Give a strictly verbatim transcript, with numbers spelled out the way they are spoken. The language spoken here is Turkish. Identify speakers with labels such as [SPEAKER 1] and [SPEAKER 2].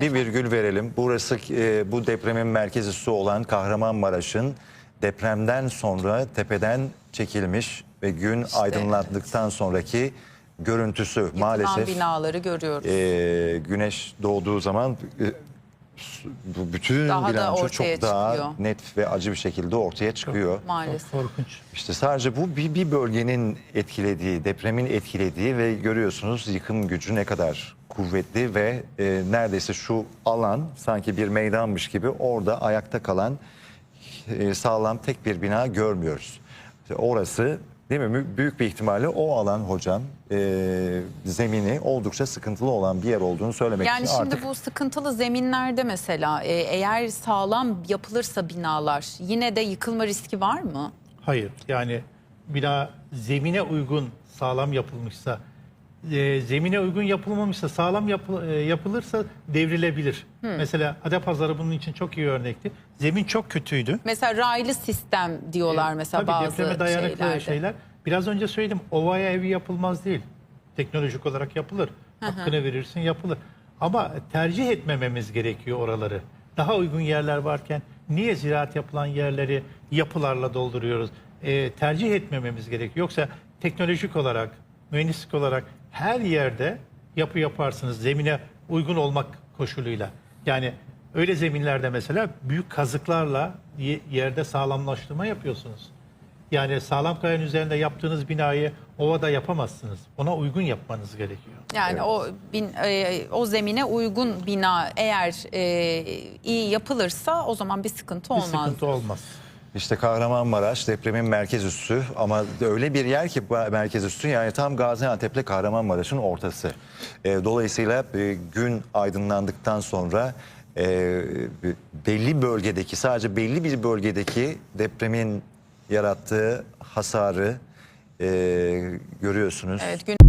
[SPEAKER 1] bir virgül verelim. Burası e, bu depremin merkez üssü olan Kahramanmaraş'ın depremden sonra tepeden çekilmiş ve gün
[SPEAKER 2] İşte,
[SPEAKER 1] aydınlandıktan sonraki görüntüsü.
[SPEAKER 2] Yıkılan
[SPEAKER 1] Maalesef
[SPEAKER 2] binaları görüyoruz.
[SPEAKER 1] e, güneş doğduğu zaman e, bu bütün
[SPEAKER 2] Daha da
[SPEAKER 1] bilanço
[SPEAKER 2] ortaya
[SPEAKER 1] çok daha
[SPEAKER 2] çıkıyor.
[SPEAKER 1] net ve acı bir şekilde ortaya çıkıyor.
[SPEAKER 2] Maalesef.
[SPEAKER 3] Korkunç.
[SPEAKER 1] İşte sadece bu bir, bir bölgenin etkilediği, depremin etkilediği ve görüyorsunuz yıkım gücü ne kadar kuvvetli ve e, neredeyse şu alan sanki bir meydanmış gibi orada ayakta kalan e, sağlam tek bir bina görmüyoruz. İşte orası değil mi? Mü- Büyük bir ihtimalle o alan hocam e, zemini oldukça sıkıntılı olan bir yer olduğunu söylemek
[SPEAKER 2] Yani
[SPEAKER 1] için
[SPEAKER 2] şimdi
[SPEAKER 1] artık
[SPEAKER 2] bu sıkıntılı zeminlerde mesela e, eğer sağlam yapılırsa binalar yine de yıkılma riski var mı?
[SPEAKER 3] Hayır. Yani bina zemine uygun sağlam yapılmışsa, e, zemine uygun yapılmamışsa, sağlam yapı- e, yapılırsa devrilebilir. Mesela Adapazarı bunun için çok iyi örnekti. Zemin çok kötüydü.
[SPEAKER 2] Mesela raylı sistem diyorlar mesela
[SPEAKER 3] Tabii
[SPEAKER 2] bazı
[SPEAKER 3] depreme dayanıklı
[SPEAKER 2] şeylerde.
[SPEAKER 3] şeyler. Biraz önce söyledim, ovaya evi yapılmaz değil. Teknolojik olarak yapılır. Hakkını verirsin, yapılır. Ama tercih etmememiz gerekiyor oraları. Daha uygun yerler varken niye ziraat yapılan yerleri yapılarla dolduruyoruz? Ee, tercih etmememiz gerekiyor. Yoksa teknolojik olarak, mühendislik olarak her yerde yapı yaparsınız zemine uygun olmak koşuluyla. Yani öyle zeminlerde mesela büyük kazıklarla ye- yerde sağlamlaştırma yapıyorsunuz. Yani sağlam kayanın üzerinde yaptığınız binayı ovada yapamazsınız. Ona uygun yapmanız gerekiyor.
[SPEAKER 2] Yani o bin, e, o zemine uygun bina eğer e, iyi yapılırsa o zaman bir sıkıntı
[SPEAKER 3] Bir
[SPEAKER 2] olmaz.
[SPEAKER 3] sıkıntı olmaz.
[SPEAKER 1] İşte Kahramanmaraş depremin merkez üssü ama öyle bir yer ki bu merkez üssü yani tam Gaziantep'le Kahramanmaraş'ın ortası. E, dolayısıyla e, gün aydınlandıktan sonra e, belli bölgedeki sadece belli bir bölgedeki depremin yarattığı hasarı e, görüyorsunuz.
[SPEAKER 2] Evet, gün